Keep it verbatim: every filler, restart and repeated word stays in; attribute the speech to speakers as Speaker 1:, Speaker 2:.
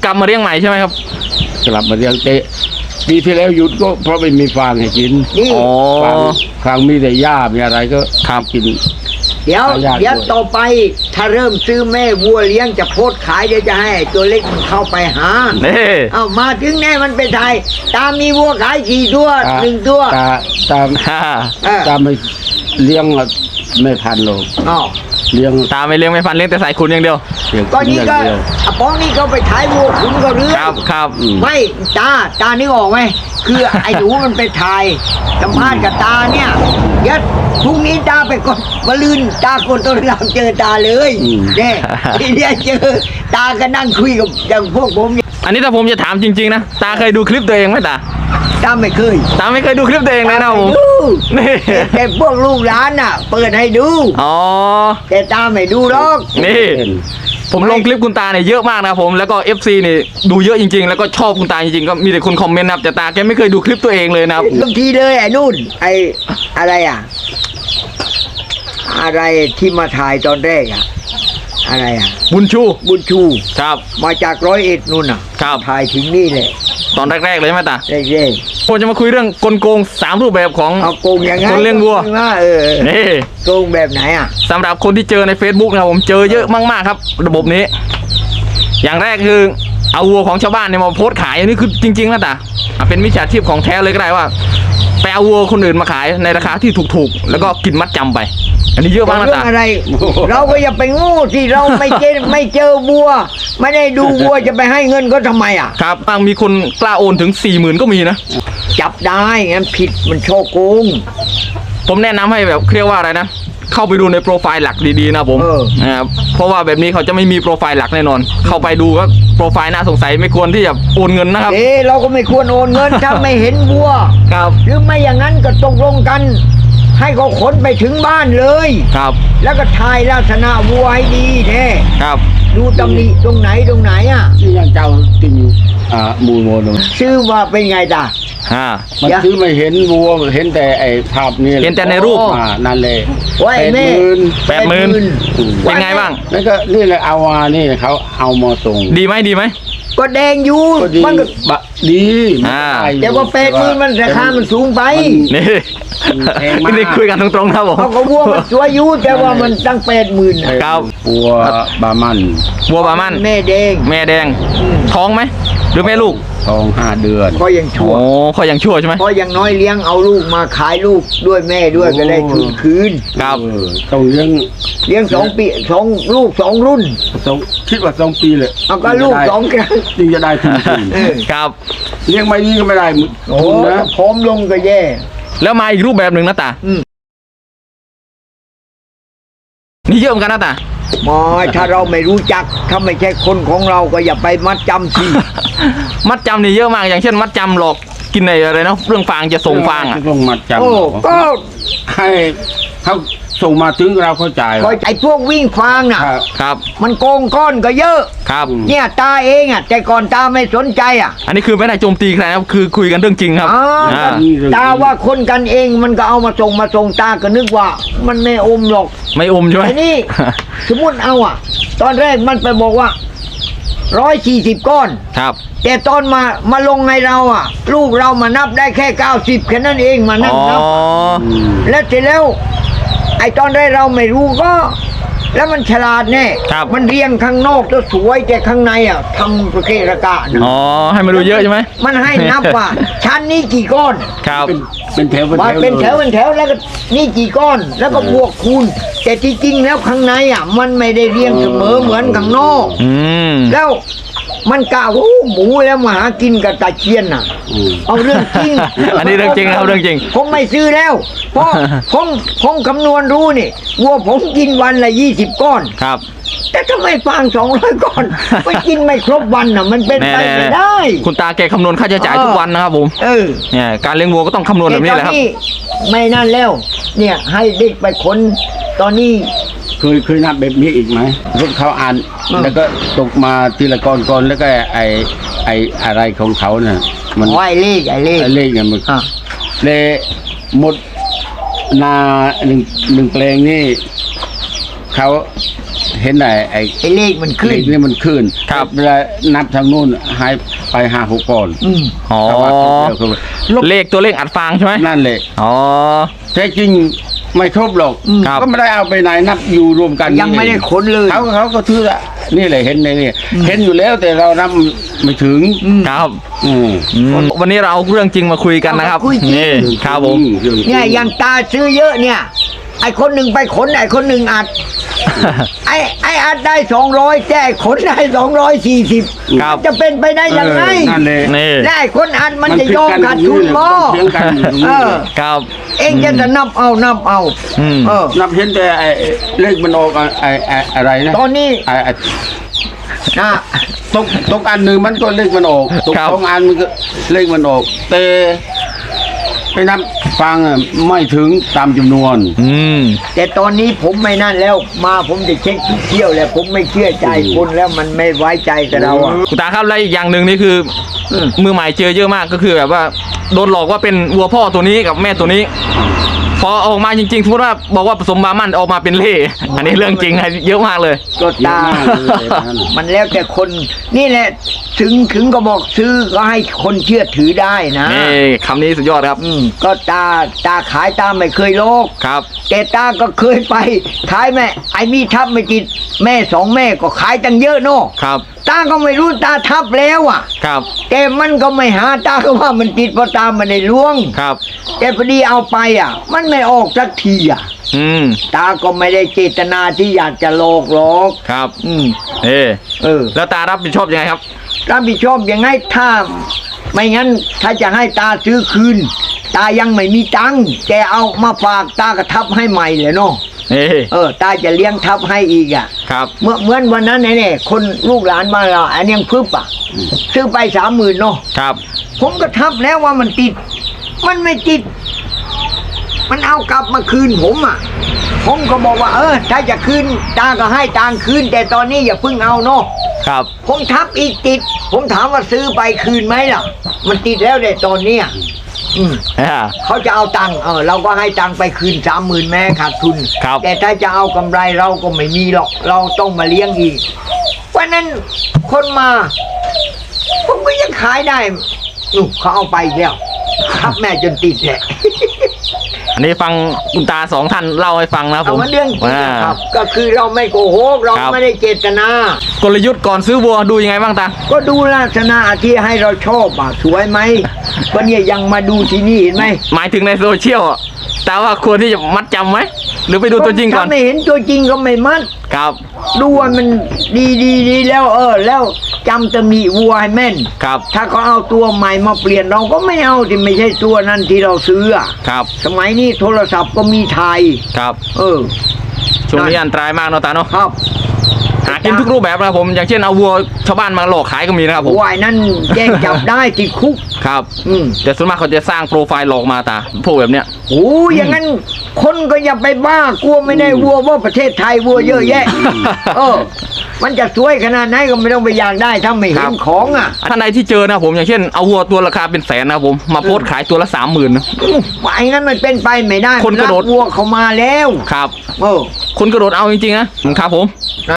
Speaker 1: ลับมาเลี้ยงใหม่ใช่ไหมครับ
Speaker 2: กลับมาเลี้ยงเตะปีที่แล้วหยุดก็เพราะไม่มีฟางให้กิน
Speaker 1: อ๋อ
Speaker 2: ฟางมีแต่หญ้ามีอะไรก็
Speaker 1: ข้าม
Speaker 2: กิน
Speaker 3: เดี๋ยวเดี๋ยวต่อไปถ้าเริ่มซื้อแม่วัวเลี้ยงจะโพสขายเดี๋ยวจะให้ตัวเล็กมันเข้าไปหาเอามาถึงแน่มันเป็นไทยตามมีวัวขายกี่ตัวหนึ่งตัว
Speaker 2: ตาตามตามไม่เลี้ยงไม่พันโล
Speaker 3: อ๋อ
Speaker 2: เลี้ยง
Speaker 1: ตาไม่เลี้ยงไม่พันเลี้ยงแต่ใส่ขุนอย่างเดียว
Speaker 3: ก็นี่ก็ป้องนี่เขาไปถ่ายวัวขุนก็เรื่อง
Speaker 1: ครับครับ
Speaker 3: ไม่ตาตานึกออกไหมคือไอ้หนูมันไปถ่ายสัมภาษณ์กับตาเนี่ยเดี๋ยวพรุ่งนี้ตาไปกดมาลืนตากดตัวเราเจอตาเลยเนี่ยทีเดียวเจอตาก็นั่งคุยกับอย่างพวกผม
Speaker 1: อันนี้ถ้าผมจะถามจริงๆนะตาเคยดูคลิปตัวเองไหมตา
Speaker 3: ตาไม่เคย
Speaker 1: ตาไม่เคยดูคลิปตัวเองเลยนะผม
Speaker 3: นี่แต่พวกลูกหลานน่ะเปิดให้ดู
Speaker 1: อ๋อ
Speaker 3: แต่ตาไม่ดูหรอก
Speaker 1: นี่ผมลงคลิปคุณตาเนี่ยเยอะมากนะผมแล้วก็ เอฟ ซี นี่ดูเยอะจริงๆแล้วก็ชอบคุณตาจริงๆก็มีแต่คนคอมเมนต์นะครับแต่ตาแกไม่เคยดูคลิปตัวเองเลยนะครับ
Speaker 3: บางทีเลยไอ้นู่นไอ้อะไรอ่ะอะไรที่มาถ่ายตอนแรกอ่ะอะไรอ่ะ
Speaker 1: บุญชู
Speaker 3: บุญชู
Speaker 1: ครับ
Speaker 3: มาจากร้อยเอ็ดนู่นอ่ะ
Speaker 1: ครับ
Speaker 3: ถ่ายถึงนี่เลย
Speaker 1: ตอนแรกๆเลยไหมตา
Speaker 3: แรก
Speaker 1: ๆผมจะมาคุยเรื่องกลโกงสามรูปแบบของ
Speaker 3: เอาโกงยังไง
Speaker 1: คนเลี้ยงวัว
Speaker 3: เออนี่โกงแบบไหนอ่ะ
Speaker 1: สำหรับคนที่เจอใน Facebook นะผมเจอเยอะมากๆครับระบบนี้อย่างแรกคือเอาวัวของชาวบ้านเนี่ยมาโพสต์ขายอันนี้คือจริงๆนะตาเป็นมิจฉาชีพของแท้เลยก็ได้ว่าไปเอาวัวคนอื่นมาขายในราคาที่ถูกๆแล้วก็กินมัดจำไปอันนี้เยอะมากนะตา
Speaker 3: อะไรเราก็อย่าไปโง่ที่เราไม่เจอไม่เจอวัวไม่ได้ดูวัวจะไปให้เงินก็ทำไมอ่ะ
Speaker 1: ครับบางมีคนกล้าโอนถึงสี่หมื่นก็มีนะ
Speaker 3: จับได้งั้นผิดมันโชโกง
Speaker 1: ผมแนะนำให้แบบเรียกว่าอะไรนะเข้าไปดูในโปรไฟล์หลักดีๆนะผมนะครับเพราะว่าแบบนี้เขาจะไม่มีโปรไฟล์หลักแน่นอนเข้าไปดูก็โปรไฟล์น่าสงสัยไม่ควรที่จะโอนเงินนะครับ
Speaker 3: เอ๊เราก็ไม่ควรโอนเงินถ้าไม่เห็นวัว
Speaker 1: ครับ
Speaker 3: หรือไม่อย่างนั้นก็ตกลงกันให้เขาขนไปถึงบ้านเลย
Speaker 1: ครับ
Speaker 3: แล้วก็ถ่ายลักษณะวัวให้ดีแน่
Speaker 1: ครับ
Speaker 3: ดูตำหนิตรงไหนตรงไหนอ่ะ
Speaker 2: ที่ยังเจ้าติ่งอ่ามูลโมน
Speaker 3: ชื่อว่าเป็นไงจ้ะ
Speaker 1: ฮ่า
Speaker 2: มันซื้อไม่เห็นวัวเห็นแต่ไอ้ภาพนี่
Speaker 1: เห็นแต่ในรูป
Speaker 2: อ่านั่นเลย
Speaker 3: แปดหมื่น
Speaker 1: แปดหมื่นเป็นไงบ้าง
Speaker 2: นั่นก็นี่เลยเอามานี่เขาเอามาส่ง
Speaker 1: ดีไหมดีไหม
Speaker 3: ก็แดงอยู่
Speaker 2: มันก็ดี
Speaker 1: อ่า
Speaker 3: แต่ว่าแปดหมื่นมันราคามันสูงไป
Speaker 1: นี่นี่คุยกันตรงๆครับผม
Speaker 3: เขาก็วัวมันสวยอยู่แต่ว่ามันตั้งแปดหมื่น
Speaker 1: ครับ
Speaker 2: วัวบามัน
Speaker 1: วัวบามัน
Speaker 3: แม่แดง
Speaker 1: แม่แดงท้องไหมหรือแม่ลูก
Speaker 2: ท้องห้าเดือน
Speaker 3: ก็ยังชั่ว
Speaker 1: โอ้ก็ยังชั่วใช่ไหม
Speaker 3: เพราะยังน้อยเลี้ยงเอาลูกมาขายลูกด้วยแม่ด้วยก็ได้คืนคืน
Speaker 1: ครับ
Speaker 2: ต้องเลี้ยง
Speaker 3: เลี้ยงสองปีสองลูกสองรุ่น
Speaker 2: สองคิดว่าสองปีเลย
Speaker 3: เอาก็ลูกสองครั้ง
Speaker 2: จึงจะได้ทุน
Speaker 1: ครับ
Speaker 2: เลี้ยงไม่ดีก็ไม่ได้
Speaker 3: โอ้นะพร้อมลงก็แย่
Speaker 1: แล้วมาอีกรูปแบบหนึ่งนะตานี่เยอะเหมือนกันนะตา
Speaker 3: หมอถ้าเราไม่รู้จักถ้าไม่ใช่คนของเราก็อย่าไปมัดจำสิ
Speaker 1: มัดจำนี่เยอะมากอย่างเช่นมัดจำหลอกกินในอะไรนะเรื่องฟางจะส่งฟางอ่ะ
Speaker 2: ส่งมัดจำ
Speaker 3: โอ้ก็
Speaker 2: ให้เขาส่งมาถึงเราเข้าใจ
Speaker 3: ไอ้พวกวิ่งฟางน่ะ
Speaker 1: ครับ
Speaker 3: มันโกงก้อนก็เยอะ
Speaker 1: ครับ
Speaker 3: เนี่ยตาเองอ่ะแต่ก่อนตาไม่สนใจอ่ะ
Speaker 1: อันนี้คือไม่ได้โจมตีใครนะครับคือคุยกันเรื่องจริงครับ
Speaker 3: ตาว่าคนกันเองมันก็เอามาส่งมาส่งตาก็นึกว่ามันไม่อมหรอก
Speaker 1: ไม่อมใช่ไหม
Speaker 3: ไอ้นี่สมมติเอาอ่ะตอนแรกมันไปบอกว่าร้อยสี่สิบก้อน
Speaker 1: ครับ
Speaker 3: แต่ตอนมามาลงในเราอ่ะลูกเรามานับได้แค่เก้าสิบแค่นั้นเองมานั่งนับแล้วเสร็จแล้วไอ้ตอนแรกเราไม่รู้ก็แล้วมันฉลาดแน่มันเรียงข้างนอกก็สวยแต่ข้างในอ่ะทำประเกะระกะนะ
Speaker 1: อ๋อให้มันดูเยอะใช่ไหม
Speaker 3: มันให้นับว่าชั้นนี้กี่ก้อน
Speaker 1: ครับ
Speaker 2: เป็นแถว
Speaker 3: เป็นแถวเป็นแถวแล้วก็นี่กี่ก้อนแล้วก็บวกคูณแต่ที่จริงแล้วข้างในอ่ะมันไม่ได้เรียงเสมอเหมือนข้างนอกแล้วมันกะว่าหมูแล้วมาหากินกับตาเชียนน่ะเอาเรื่องจริง
Speaker 1: อันนี้เรื่องจริงครับเรื่องจริง
Speaker 3: ผมไม่ซื้อแล้วเพราะผมผมคำนวณรู้นี่วัวผมกินวันละยี่สิบก้อน
Speaker 1: ครับ
Speaker 3: แต่ทำไมฟางสองร้อยก้อนไปกินไม่ครบวันน่ะมันเป็นไปไม่ได้
Speaker 1: คุณตาแกคำนวณค่าใช้จ่ายทุกวันนะครับผม
Speaker 3: เออ
Speaker 1: เนี่ยการเลี้ยงวัวก็ต้องคำนวณแบบนี้แหละครับ
Speaker 3: ไม่นั่นแล้วเนี่ยให้เด็กไปค้นตอนนี้
Speaker 2: เคยเคยนับแบบนี้อีกไหมรถเขาอ่านแล้วก็ตกมาทีละก้อนก้อนแล้วก็ไอไออะไรของเขาเนี่ย
Speaker 3: มันไอเลขไอเลข
Speaker 2: ไอเลขเนี่ยมันเลยหมดนาหนึ่งหนึ่งแปลงนี่เขาเห็นไอ้ไอ้
Speaker 3: ไอ้เลขมันขึ้
Speaker 2: เล
Speaker 3: น
Speaker 2: ขนี่มันขึ้น
Speaker 1: ครับ
Speaker 2: เวลานับทางนู้นหายไปห้าหกก่อน
Speaker 3: อืม
Speaker 1: อ๋อ
Speaker 2: แต่ว่าครบแล้ว
Speaker 1: เลขตัวเลขอัดฟางใช่ไหม
Speaker 2: นั่นเลย
Speaker 1: อ๋อ
Speaker 2: แท้จริงไม่ครบหรอก
Speaker 1: ครับ
Speaker 2: ก็ไม่ได้เอาไปไหนนับอยู่รวมกัน
Speaker 3: ยังไม่ได้ขนเลย
Speaker 2: เขาเขาก็ถือละนี่แหละเห็นในนี่เห็นอยู่แล้วแต่เรานับไม่ถึง
Speaker 1: ครับ
Speaker 2: อืม
Speaker 1: อืมวันนี้เราเอาเรื่องจริงมาคุยกันนะครับ
Speaker 3: เอามาคุยจริง
Speaker 1: นี่ครับผม
Speaker 3: เนี่ยอย่างตาซื้อเยอะเนี่ย ไอ้คนหนึ่งไปขนไอ้คนหนึ่งอัด ไอ้ไอ้อัดได้สองร้อยแต่ไอ้ขนได้สองร้อยสี่สิบ
Speaker 1: ครับ
Speaker 3: จะเป็นไปได้ยังไง
Speaker 2: เออนั่นเลย
Speaker 1: นี่
Speaker 3: และไอ้คนอัดมันจะยอมขาดทุนบ่
Speaker 2: เถียงกันอยู่ตรง
Speaker 3: เอ
Speaker 2: นี้
Speaker 3: อ
Speaker 1: ครับ
Speaker 3: เองจะนับเอานับเอา
Speaker 1: อืม
Speaker 3: เออ
Speaker 2: นับเห็นแต่ไอ้เลขมันออกไอ้ไอ้อะไรนะ
Speaker 3: ตอนนี้
Speaker 2: ไอ้ไอ้
Speaker 3: นะ
Speaker 2: ตกตกอันหนึ่งมันก็เลขมันออกตก
Speaker 1: ครับ
Speaker 2: สองอันมันก็เลขมันออกแต่ไปนับฟังอะไม่ถึงตามจำนวน
Speaker 1: อืม
Speaker 3: แต่ตอนนี้ผมไม่นั่นแล้วมาผมจะเช็คทุกเที่ยวแล้วผมไม่เชื่อใจคนแล้วมันไม่ไว้ใจกับเราอ่ะ
Speaker 1: คุณตาครับแล้วอีกอย่างหนึ่งนี่คืออ
Speaker 3: ม
Speaker 1: มือใหม่เจอเยอะมากก็คือแบบว่าโดนหลอกว่าเป็นวัวพ่อตัวนี้กับแม่ตัวนี้ พอออกมาจริงๆสมมติว่าบอกว่าผสมบามันออกมาเป็นเล่อันนี้เรื่องจริงนะเยอะมากเลย
Speaker 3: ก็ตา
Speaker 2: เยอะมากเลยนั่น
Speaker 3: มันแล้วแต่คนนี่แหละถึงถึงก็บอกซื้อก็ให้คนเชื่อถือได้นะ
Speaker 1: นี่คำนี้สุดยอดครับ
Speaker 3: อืมก็ตาตาขายตาไม่เคยโลก
Speaker 1: ครับ
Speaker 3: แต่ตาก็เคยไปขายแม่ไอ้มีทับไม่ติดแม่สองแม่ก็ขายตั้งเยอะเนาะ
Speaker 1: ครับ
Speaker 3: ตาก็ไม่รู้ตาทับแล้วอ่ะ
Speaker 1: ครับ
Speaker 3: แต่มันก็ไม่หาตาก็ว่ามันติดเพราะตามันในล้วง
Speaker 1: ครับ
Speaker 3: แต่พอดีเอาไปอ่ะ มันไม่ออกสักทีอ่ะ
Speaker 1: อืม
Speaker 3: ตาก็ไม่ได้เจตนาที่อยากจะโลกหรอก
Speaker 1: ครับ
Speaker 3: อืม
Speaker 1: เออ
Speaker 3: เออ
Speaker 1: แล้วตารับผิดชอบยังไงครับ
Speaker 3: รับผิดชอบยังไงถ้า ไม่งั้นถ้าจะให้ตาซื้อคืน ตายังไม่มีตังค์แต่เอามาฝากตาก็ทับให้ใหม่เลยเนาะ
Speaker 1: เออ
Speaker 3: เออ ตาจะเลี้ยงทับให้อีกอ่ะ
Speaker 1: ครับ
Speaker 3: เมื่อเหมือนวันนั้นเนี่ยคนลูกหลานบ้านเราอันยังพึบอ่ะซื้อไปสามหมื่นเนาะ
Speaker 1: ครับ
Speaker 3: ผมก็ทับแล้วว่ามันติด มันไม่ติด มันเอากลับมาคืนผมอ่ะ ผมก็บอกว่า เออ ถ้าจะคืนตาก็ให้ตังค์คืน แต่ตอนนี้อย่าเพิ่งเอาเนาะ
Speaker 1: ครับ
Speaker 3: ผมทับอีกติด ผมถามว่าซื้อไปคืนไหมล่ะ มันติดแล้วเด็ตอนเนี้ยอืม
Speaker 1: อ่า
Speaker 3: เขาจะเอาตังค์เออเราก็ให้ตังค์ไปคืนสามหมื่นแม้ขาดทุน
Speaker 1: ครับ
Speaker 3: แต่ถ้าจะเอากำไรเราก็ไม่มีหรอก เราต้องมาเลี้ยงอีกวันนั้นคนมา ผมก็ยังขายได้นู่นเขาเอาไปอีกแล้วทับแม่จนติดแหละ
Speaker 1: อันนี้ฟังคุณตาสองท่านเล่าให้ฟังนะครับผ
Speaker 3: เอา
Speaker 1: ม
Speaker 3: มาเรื่องจริง
Speaker 1: อ่า
Speaker 3: นะครับ ก็คือเราไม่โกหกเรา
Speaker 1: ครับ
Speaker 3: ไม่ได้เจตนา
Speaker 1: กลยุทธ์ก่อนซื้อวัวดูยังไงบ้างตา
Speaker 3: ก็ดูลักษณะที่ให้เราชอบอ่ะสวยไหมก็เนี่ยยังมาดูที่นี่เห็นไหม
Speaker 1: หมายถึงในโซเชียลอะแต่ว่าควรที่จะมัดจำไหมหรือไปดูตัวจริงก่อน
Speaker 3: ถ้าไม่เห็นตัวจริงก็ไม่มัด
Speaker 1: ครับ
Speaker 3: ดูว่ามันดีดีดีแล้ว เออ แล้วจำตำหนิวัวให้แม่น
Speaker 1: ครับ
Speaker 3: ถ้าเขาเอาตัวใหม่มาเปลี่ยนเราก็ไม่เอาที่ไม่ใช่ตัวนั้นที่เราซื้ออะ
Speaker 1: ครับ
Speaker 3: สมัยนี้โทรศัพท์ก็มีถ่าย
Speaker 1: ครับ
Speaker 3: เออ
Speaker 1: ช่วงนี้อันตรายมากเนาะตาเนาะ
Speaker 3: ครับ
Speaker 1: หากินทุกรูปแบบนะครับผม อย่างเช่นเอาวัวชาวบ้านมาหลอกขายก็มีนะครับผม
Speaker 3: วายนั่นแจ้งจับได้ติดคุก
Speaker 1: ครับ
Speaker 3: อืม
Speaker 1: แต่ส่วนมากเขาจะสร้างโปรไฟล์หลอกมาตาพวกแบบเนี้ย
Speaker 3: โอ้ยอย่างนั้น คนก็อย่าไปบ้ากลัวไม่ได้วัวว่าประเทศไทยวัวเยอะแยะ เออ มันจะสวยขนาดไหนก็ไม่ต้องไปอยากได้ถ้าไม่
Speaker 1: ค
Speaker 3: เห็
Speaker 1: รั
Speaker 3: น
Speaker 1: บ
Speaker 3: ของอ่ะ
Speaker 1: ท่านใดที่เจอนะครับผมอย่างเช่นเอาวัวตัวราคาเป็นแสนนะครับผมมาโพสต์ขายตัวละสามหมื่น
Speaker 3: ไอ้งั้นมันเป็นไปไม่ได้
Speaker 1: คนกระโดด
Speaker 3: วัวเขามาแล้ว
Speaker 1: ครับ
Speaker 3: เออ
Speaker 1: คนกระโดดเอาจริงๆนะครับผม